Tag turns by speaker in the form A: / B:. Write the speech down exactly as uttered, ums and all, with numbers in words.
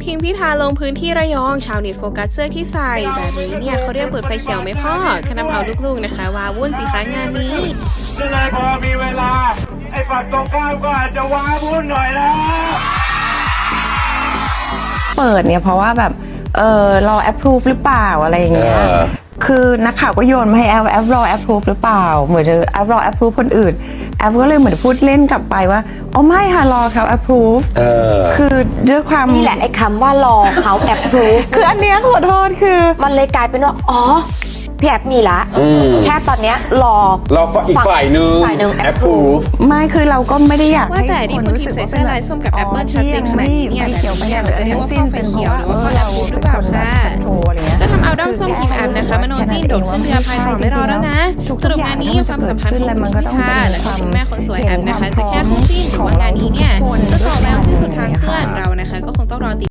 A: ทีมพิธาลงพื้นที่ระยองชาวเน็ตโฟกัสเสื้อที่ใส่แบบนี้เนี่ยเขาเรียกเปิดไฟเขียวไหมพ่อขนำเอาลูกๆนะคะว้าวุ่นสิคะงานนี้
B: เลยพอมีเวลาไอ้ฝั่งตรงข้ามก็อาจจะว้าวุ่นหน่อยนะ
C: เปิดเนี่ยเพราะว่าแบบเออรอ approve หรือเปล่าอะไรอย่างเงี้ยคือนักข่าวก็โยนมาให้แอปแอปรอ approve หรือเปล่าเหมือนแอปรอ approve คนอื่นแอปก็เลยเหมือนพูดเล่นกลับไปว่าอ๋อไม่ค่ะรอเขา approve คือด้วยความ
D: นี่แหละไอ้คำว่ารอเขา approve
C: คืออันเนี้ยขอโทษคือ
D: มันเลยกลายเป็นว่าอ๋อพี่แอปมีละแค่ตอนเนี้ยรอ
E: รออีกฝ่ายนึง
D: ฝ่ายนึง
E: approve
C: ไม่คือเราก็ไม่ได้อยาก
A: ว่าแต่ที่คนที่ใส่เสื้อลายส้มกับแอปเปิลชัดเจนขนาดนี้เนี่ยแบบนี้เนี่ยมันจะเรียกว่าพ่อไฟเขียวหรือว่าพ่อแอปพูหรือเปล่าคะก็ทำเอาด้อมส้มทีมแอปนะคะมโนจีนโดดขึ้นเรือพายต่อไม่รอแล้วนะสรุปงานนี้ความสัมพันธ์ของคุณพิธาและคุณแม่คนสวยแอปนะคะจะแค่คู่จิ้นหรือว่างานนี้เนี่ยจะสอบแล้วสิ้นสุดทางเพื่อนเรานะคะก็คงต้องรอติด